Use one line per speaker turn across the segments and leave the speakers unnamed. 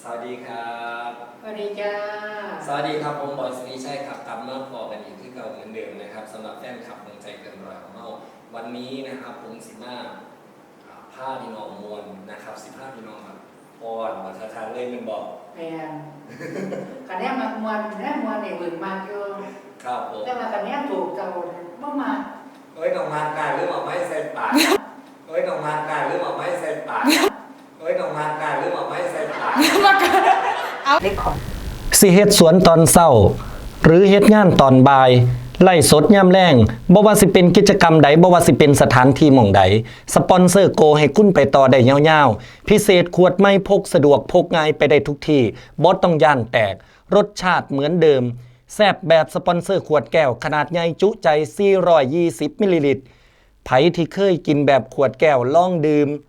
วัสดีครับ
สวัสดีจ้า
สวัสดีครับผมบอยสุริชัยครับกลับมาพอกันอีกที่เก่าเหมือนเดิมนะครับสำหรับแฟนคลับวงใจเกินร้อยของเราวันนี้นะครับผมผ้าพี่น้องมวลนะครับ15พี่น้องครับพรมาทางเลยมันบอก
แพงคะแนนมามวลแนนมวลเนี่ยอื่นมากอยู่
ครับผม
แต่ว่าคะแนนถูกเจ้าบ่มา
น้องมากการหรือเอาไม้ใส่ปากน้องมากการหรือเอาไม้ใส่ปากน้องมากการหรือเอาไม้ใส่ปาก
เอาเล็กขอ
สิเฮ็ดสวนตอนเช้าหรือเฮ็ดงานตอนบ่ายไล่สดยามแลงบ่ว่าสิเป็นกิจกรรมใดบ่ว่าสิเป็นสถานที่หม่องใดสปอนเซอร์โกให้คุณไปต่อได้ยาวๆพิเศษขวดไม่พกสะดวกพกง่ายไปได้ทุกที่บ่ต้องย่านแตกรสชาติเหมือนเดิมแซ่บแบบสปอนเซอร์ขวดแก้วขนาดใหญ่จุใจ420มิลลิลิตรไผที่เคยกินแบบขวดแก้วลองดื่ม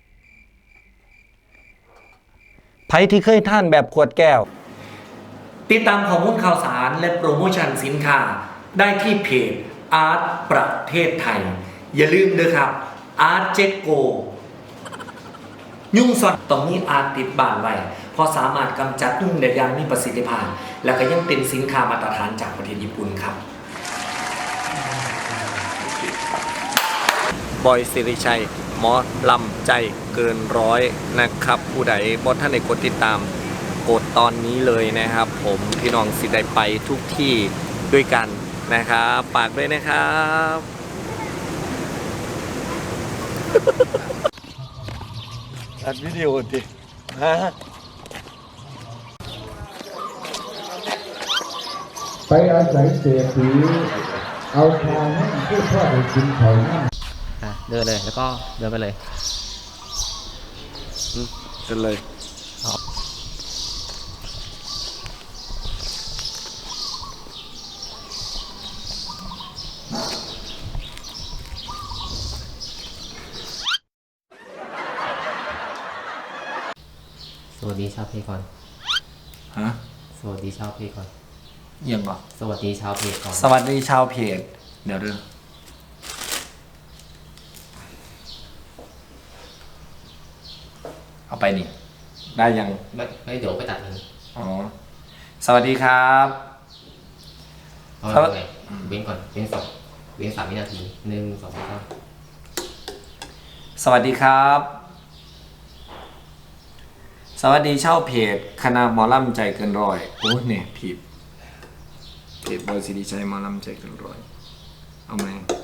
ไผที่เคยทานแบบขวดแก้วติดตามข้อมูลข่าวสารและโปรโมชั่นสินค้าได้ที่เพจอาร์ตประเทศไทยอย่าลืมด้วยครับอาร์ตเจ็กโกยุ่งสอดตรงนี้อาร์ตติดบ้านไว้พอสามารถกำจัดยุ่งได้อย่างมีประสิทธิภาพและก็ยังเป็นสินค้ามาตรฐานจากประเทศญี่ปุ่นครับบอยสิริชัยหมอลำใจเกินร้อยนะครับผู้ใดบ่ท่านได้กดติดตามกดตอนนี้เลยนะครับผมพี่น้องสิได้ไปทุกที่ด้วยกันนะครับฝากด้วยนะครับอัดวิดีโอดิฮะ
ไปอาศัยเศรษฐีเอาทางให้ผู้พ่อไปกินเขาหน้า
เดินเลยแล้วก็เดินไปเลย
เดินเลย
สวัสดีชาวเพจก่อน
ฮะ
สวัสดีชาวเพจก่อน
ยังก่อน
สวัสดีชาวเพจก่อน
สวัสดีชาวเพจเดี๋ยวดูเอาไปนี่ได้ยัง
ไม่เดี๋ยวไปตัดเอง
อ๋อสวัสดีครับ
เอาไงเว้นก่อนเว้น3 วินาที1 2 3
สวัสดีครับสวัสดีเช่าเพจคณะหมอลำใจเกินร้อยโอ้เนี่ยผิดเพจบอยสิริชัยหมอลำใจเกินร้อยเอาไหม